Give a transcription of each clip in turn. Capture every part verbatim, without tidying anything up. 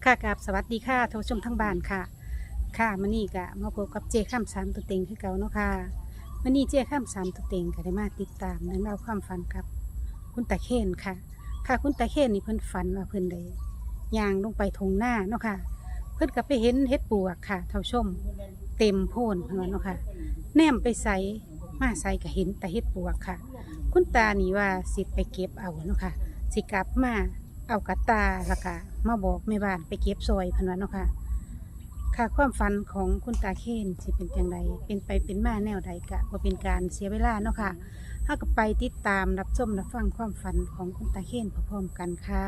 ค่ะกับสวัสดีค่ะท่านผู้ชมทั้งบ้านค่ะค่ะมื้อนี้ก็มาพบกับเจ้ข้ามสามตัวเต็งคือเก่าเนาะค่ะมื้อนี้เจ้ข้ามสามตัวเต็งก็ได้มาติดตามเรื่องราวความฝันกับคุณตาเคนค่ะค่ะคุณตาเคนนี่เพิ่นฝันว่าเพิ่นได้ย่างลงไปทงหน้าเนาะค่ะเพิ่นก็ไปเห็นเฮ็ดปวกค่ะท่านผู้ชมเต็มโพนเพิ่นว่าเนาะค่ะแนมไปใส่มาใส่ก็เห็นแต่เฮ็ดปวกค่ะ คุณตานี่ว่าสิไปเก็บเอาเนาะค่ะสิกลับมาเอากระตาแล้วก็มาบอกแม่บ้านไปเก็บซอยเพิ่นว่าเนาะค่ะค่ะความฝันของคุณตาเคนสิเป็นอย่างไรเป็นไปเป็นมาแนวใดกะว่าเป็นการเสียเวลาเนาะค่ะถ้าก็ไปติดตามรับชมรับฟังความฝันของคุณตาเคนพร้อมๆกันค่ะ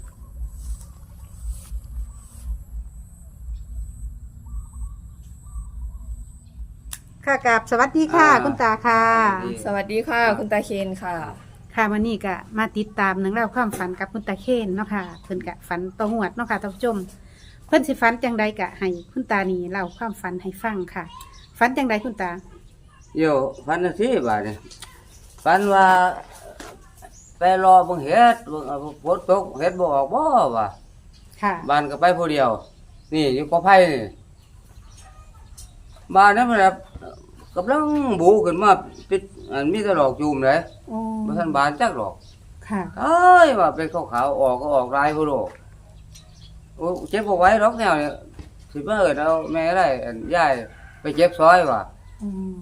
ค่ะกับสวัสดีค่ะอ่าคุณตาค่ะสวัสดีค่ะ คุณตาเคนค่ะค่ะวันนี้ก็มาติดตามหนังเล่องราวความฝันกับคุณตาเคนเนาะค่ะเพิ่นกะฝันตองวดเนาะค่ะท่านผู้ชมเพิ่นสิฝันจังใดกะให้คุณตานี่เล่าความฝันให้ฟังค่ะฝันจังใดคุณตาโยฟันจังซี่บาดนี่ฟันว่าไปรอเบิ่งเฮ็ดเบิ่งเอาฝนตกเฮ็ดบ่ออกบ่ว่าค่ะบ้านก็ไปผู้เดียว นี่อยู่กอไผ่นี่บ้านนั้นมันแบบกำลังบูขึ้นมาปิดอันมีแต่ดอกจูมเลยโอ้บ่ทันบานจักดอกค่ะเอ้ยว่าเป็นขาวๆออกก็ออกลายพุ่นโลโอ้เจ็บบ่ไหว้ดอกแนวนี่สิมาเอิ้นเอาแม่ได้อันยายไปเจ็บซอยว่าอืม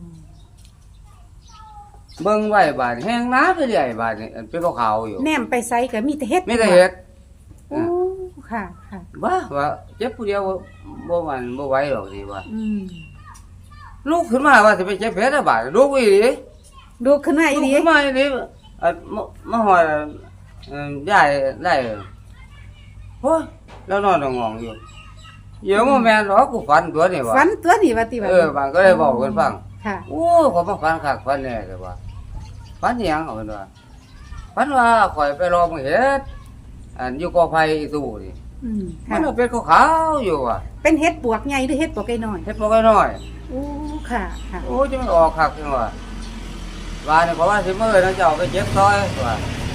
เบิ่งไว้บาดแห้งน้าไปเรื่อยบาดนี่อันเป็นขาวๆอยู่แนมไปไสก็มีแต่เฮ็ดไม่ได้เฮ็ดโอ้ค่ะค่ะว่าว่าเจ็บผู้เดียวบ่บ่มันบ่ไหวหรอกสิว่าอืมลูกขึ้นมาว่าสิไปเจ็บเพชรบาดลูกอีหลีดูขึ้นมาอีลูกดีขึ้นมาอีหลีเอ่อมามาหอยเอ่อยายได้โอ้ยแล้วนอนงองอยู่เดี๋ยวบ่แม่นหรอกกูฝันตัวนี่ว่าฝันตัวนี้ว่าติว่าเออบางก็เลยบอกเพิ่นฟังค่ะโอ้ขอยมาฝันคักฝันแน่แต่ว่าฝันอิหยังเอาเพิ่นว่าฝันว่าข่อยไปรอมึงเฮ็ดอันอยู่กอไผ่อีตู้นี่อืมมัค่ะนเป็นขาวๆอยู่ว่ะเป็นเฮ็ดปวกใหญ่หรือเฮ็ดปวกน้อยเฮ็ดบ่ค่อยน้อยโอ้ค่ะค่ะโอ้จะมันออกคักจังว่าว่านี่เพราะว่าสิมื้อนั้นเจ้าไปเจ็บซอยว่า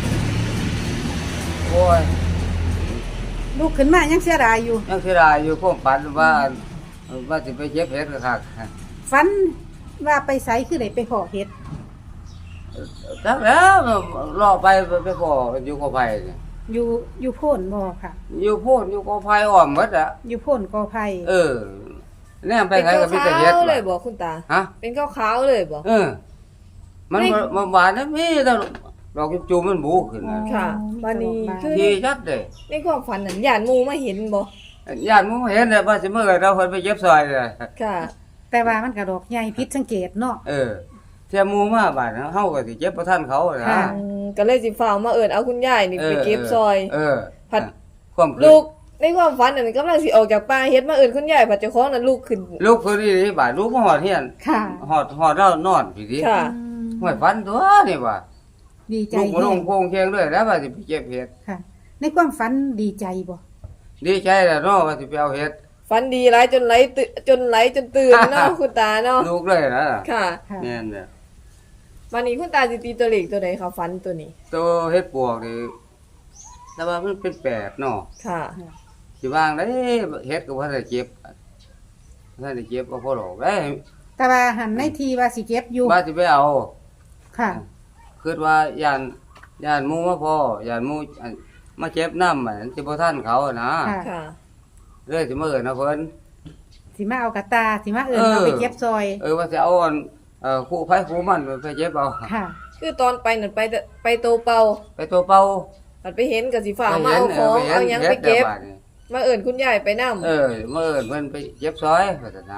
โอ้ยลูกขึ้นมายังเสียดายอยู่ยังเสียดายอยู่ความฝันว่าว่าสิไปเจ็บเฮ็ดคักฝันว่าไปไสคือได้ไปขอเฮ็ดจักแล้วรอไปไปพออยู่กอไผ่นี่อยู่อยู่โพนบ่ค่ะอยู่โพดอยู่กอไผ่อ้อมหมดอ่ะอยู่โพนกอไผ่เออแน่ไปเป็นไหนก็มีแต่เฮ็ดขาวๆเลยว่ะบอกคุณตาฮะเป็นขาวๆเลยบอกเออ มันไม่มันหวานนะมีแต่ดอกจูมมันบูขึ้นน่ะค่ะวันนี้คือที่ชัดเด้ในความฝันนั้นหยาดหมูมาเห็นบ่ญาติมึงเห็นเลยว่าสิมื้อเราเพิ่นไปเจ็บซอยเลยค่ะแต่ว่ามันกระดอกใหญ่ผิดสังเกตเนาะเออเที่ยหมู่มาบาดเฮาก็สิเจ็บบ่ทันเขานะค่ะอืมก็เลยสิฟ้าวมาเอิ้นเอาคุณยายนี่ไปเก็บซอยเออผัดความลูกในความฝันนั้นกำลังสิออกจากป่าเฮ็ดมาเอิ้นคุณยายผัดเจ้าของนั้นลูกขึ้นลูกเพิ่นนี่บาดลูกมาฮอดเฮียนค่ะฮอดฮอดเรานอนพี่ดิค่ะอืมห้วยฟันตัวนี่ว่าดีใจลูกบ่ลแฮงโคงเคียงด้วยแล้วว่าสิไปเก็บเห็ดค่ะ ในความฝันดีใจบ่ดีใจแล้วเนาะว่าสิไปเอาเห็ดฝันดีหลายจนไหลตื่นจนไหลจนตื่นเนาะคุณตาเนาะลูกเลยนะค่ะค่ะแม่นเด้อวันนี้คุณตาสิตีตัวเลขตัวใดคะฝันตัวนี้ตัวเห็ดปวกนี่แต่ว่ามันเป็นแปดเนาะค่ะสิวางได้เห็ดก็บ่ได้เจ็บบ่ได้เจ็บบ่พอหรอกเอ้ยแต่ว่าหันในทีว่าสิเก็บอยู่ว่าสิไปเอาค่ะคิดว่าย่านย่านหมู่มาพอย่านหมู่อันมาเจ็บน้ำมันสิบ่ทันเขานะค่ะค่ะเลยสิมาเอิ้นเอาเพิ่นสิมาเอากระตาสิมาเอิ้นเออเอาไปเก็บซอยเออว่าสิเอาอันเอ่อคู่ไผคู่มันไปเจ็บเอาค่ะคือตอนไปนั่นไปแต่ไปโตเป่าไปตัวเป่าผัดไปเห็นก็สิฟ้าวมาเอาของไปห็นเอาหยังห็ไปนเก็บฮ็ดแต่าดนี่มาเอิ้นคุณยายไปนำเออเมื่อเอิ้นเพิ่นไปเจ็บซอยพัฒนา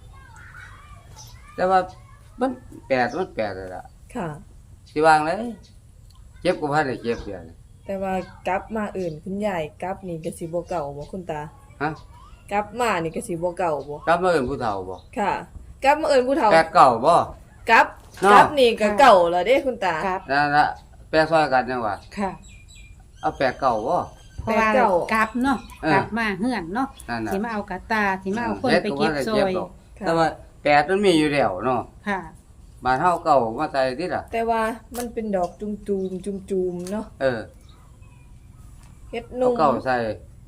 แต่ว่ามันแปลกมันแปลกเลยล่ะค่ะสิวางเลยเจ็บก็บ่ได้เจ็บเดียวนี่แต่ว่ากลับมาเอิ้นคุณยายกลับนี่ก็สิบ่เก่าบ่คุณตาฮะกลับมานี่ก็สิบ่เก่าบ่กลับมาเอิ้นผู้เฒ่าบ่ค่ะ กลับมาเอิ้นผู้เฒ่าแปลกเก่าบ่กลับเนาะกลับนี่ก็เก่าแล้วเด้คุณตาครับนั่นล่ะแปลกซอยกันจังว่าค่ะเอาแปลกเก่าบ่เพราะว่าแต่เก่ากลับเนาะเออกลับมาเฮือนเนาะนั่นน่ะสิมาเอากระตาสิมาเอาคนฮ็ดไปเก็บซบ่อได้ยดอกค่ะแต่ว่าแปลกมันมีอยู่แล้วเนาะค่ะบ้านเฮาเก่ามาใส่ติล่ะแต่ว่ามันเป็นดอกจุมๆจุมๆเนาะเออเฮ็ดเอานุ่มเก่าใส่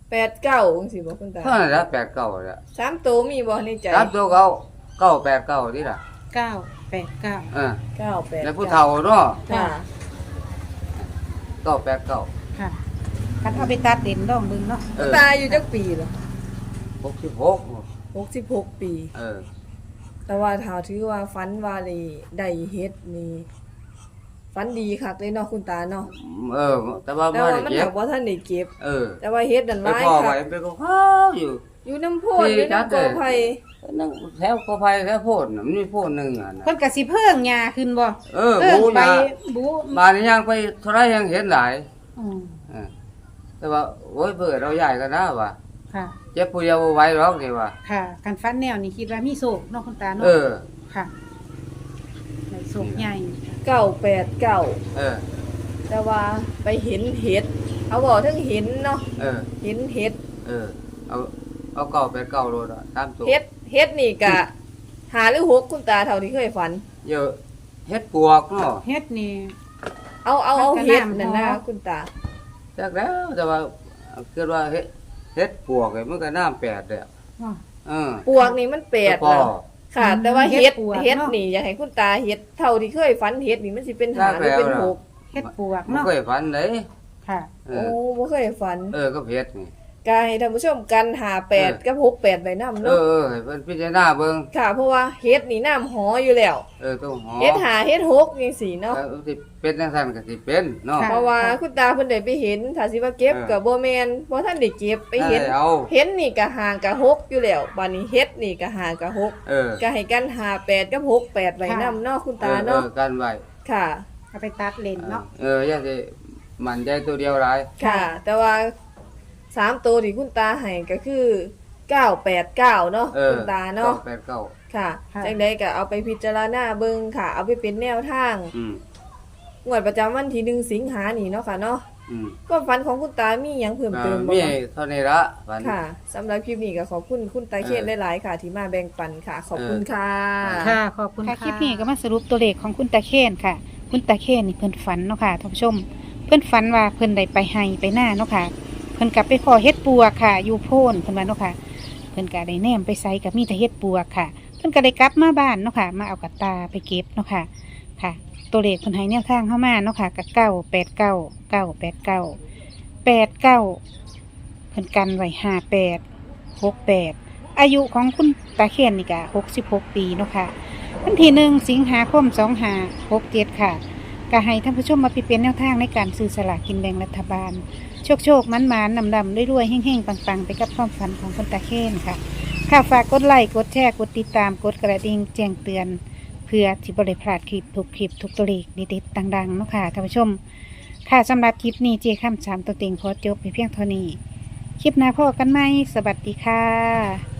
แปดเก้าจังซี่บ่คุณตาเท่านั้นละแปดเก้าละสามตัวมีบ่ในใจสามตัวเก้าเก้าแปดเก้านี่ล่ะเก้าแปดเก้าเออเก้าแปดแล้วผู้เฒ่าเนาะค่ะเก้าแปดเก้าค่ะคันเอาไปตัดเด่นดองเบิ่งเนาะเอคุณอตาอายู่จักปีเหรอหกสิบหกหกสิบหกปีเออแต่ว่าถ้าถือว่าฝันว่าได้ได้เฮ็ดนี่ฝันดีคักเลยเนาะคุณตาเนาะเออ แต่ว่าแต่บ่ว่าได้มันเก็หับกบ่ทันได้เก็บเออแต่ว่าเฮ็ดนั่นไปหลายพ่อคัไว้กไปก็ข้าวอยู่อยู่น้ำโพดอยู่น้ำกอไผ่นั่งแถวกอไผ่แถวโพดน่ะมันมีโพดหนึงอ่ะนะเพิ่นก็สิเพิ่งหญ้าขึ้นบ่เออเพิ่งบูไปยาบูบ้านนี้ยังไปเท่าไรยังเห็นหลายอืมเออแต่ว่าโอ้ยเบื่อเราใหญ่กันนะว่ะค่ะเจ็บผู้เดียวบ่ไหวหรอกนี่ว่ะค่ะการฟันแนวนี่คิดว่ามีโศกเนาะคุณตาเนาะเออค่ะในโศกใหญ่เก้าแปดเก้าเออแต่ว่าไปเห็นเห็ดเขาบอกทั้งเห็นเนาะเออเห็นเห็ดเออ เอาเอาเก่าไปเก่าโลดอ่ะตามตัวเห็ดเห็ดนี่กะหาหรือหกคุณตาเท่าที่เคยฝันเยอะเฮ็ดปวกเนาะเฮ็ดนี่เอาเอาเอามันก็เห็ดน้ำนั่นนะพอคุณตาจักแล้วแต่ว่าเกิดว่าเฮ็ดเฮ็ดปวกนี่มันก็น้ำแปดแล้วอ๋อเออปวกนี่มันแปดพอแล้วค่ะอืมแต่ว่าเห็เห็ดดปวกเห็ดเนาะนี่อยากให้คุณตาเห็ดเท่าที่เคยฝันเห็ดนี่มันสิเป็นหาหรือเป็นหกเฮ็ดปวกมันเนาะเคยฝันเลยค่ะเอโอ้อบ่เคยฝันเออก็เฮ็ดนี่กายท่านผู้ชมกันหาแปดเออกับหกแปดใบน้ำเอเนาะอเออให้เพิ่นพิจารณาเบิ่งค่ะ เพราะว่าเห็ดนี่น้ำหออยู่แล้วเออต้องหอเฮ็ดหาเฮ็ดหกจังซี่เนาะเออสิเป็นจังซั่นก็สิเป็นเนาะค่ะเพราะว่าคุณตาเพิ่นได้ไปเห็นถ้าสิว่าเก็บเออก็บ่แม่นบ่ทันได้เก็บไปเห็นได้เอาเห็นนี่ก็ห่างก็หกอยู่แล้วบัดนี้เฮ็ดนี่ก็ห่างก็หกเออก็ให้กันหาแปดกับหกแปดไว้นำเนาะคุณตาเนาะออออกันไว้ค่ะเอาไปตัดเลนเนาะเอออย่าสิมันใจตัวเดียวหลายค่ะ แต่ว่าสามตัวที่คุณตาให้ก็คือเก้าแปดเก้าเนาะเออคุณตาเนาะแปดเก้าค่ะจังได๋ก็เอาไปพิจารณาเบิ่งค่ะ เอาไปเป็นแนวทางอืมงวดประจำวันที่หนึ่งสิงหานี่เนาะค่ะเนาะอืมความฝันของคุณตามีหยังเพิ่มอ่าเติมบ่มีคะเท่านี้ละวันค่ะสำหรับคลิปนี้ก็ขอบคุณคุณตาเคนหลายๆค่ะ ที่มาแบ่งปันค่ะ ขอบคุณค่ะค่ะ ขอบคุณค่ะคลิปนี้ก็มาสรุปตัวเลขของคุณตาเคนค่ะ คุณตาเคนนี่เพิ่นฝันเนาะค่ะท่านผู้ชม เพิ่นฝันว่าเพิ่นได้ไปไห้ไปหน้าเนาะค่ะ เพิ่นกลับไปขอเฮ็ดปัวค่ะ อยู่โพนเพิ่นว่าเนาะค่ะ เพิ่นก็ได้แนมไปใส่กับมีแต่เฮ็ดปัวค่ะ เพิ่นก็ได้กลับมาบ้านเนาะค่ะ มาเอากระตาไปเก็บเนาะค่ะ ค่ะ ตัวเลขเพิ่นให้แนวทางเข้ามาเนาะค่ะกับเก้าแปดเก้าเก้าแปดเก้าแปดเก้าเพิ่นกันไว้ห้าแปดหกแปดอายุของคุณตาเคนนี่ก็หกสิบหกปีเนาะค่ะวันที่หนึ่งสิงหาคมสองห้าหกเจ็ดค่ะก็ให้ท่านผู้ชมมาพิจารณาแนวทางในการซื้อสลากกินแบ่งรัฐบาล โชคโชคมันมันนำดำรวยๆแห้งๆปังๆ ไปกับความฝันของคุณตาเคนค่ะ ค่ะฝากกดไลค์กดแชร์กดติดตามกดกระดิ่งแจ้งเตือน เพื่อที่บริพลาดคลิปทุกคลิปทุกตัวเลขดีๆดังๆเนาะค่ะท่านผู้ชม ค่ะสำหรับคลิปนี้เจข้ามสามตัวเต็งขอจบไปเพียงเท่านี้ คลิปหน้าพอกันไหมสวัสดีค่ะ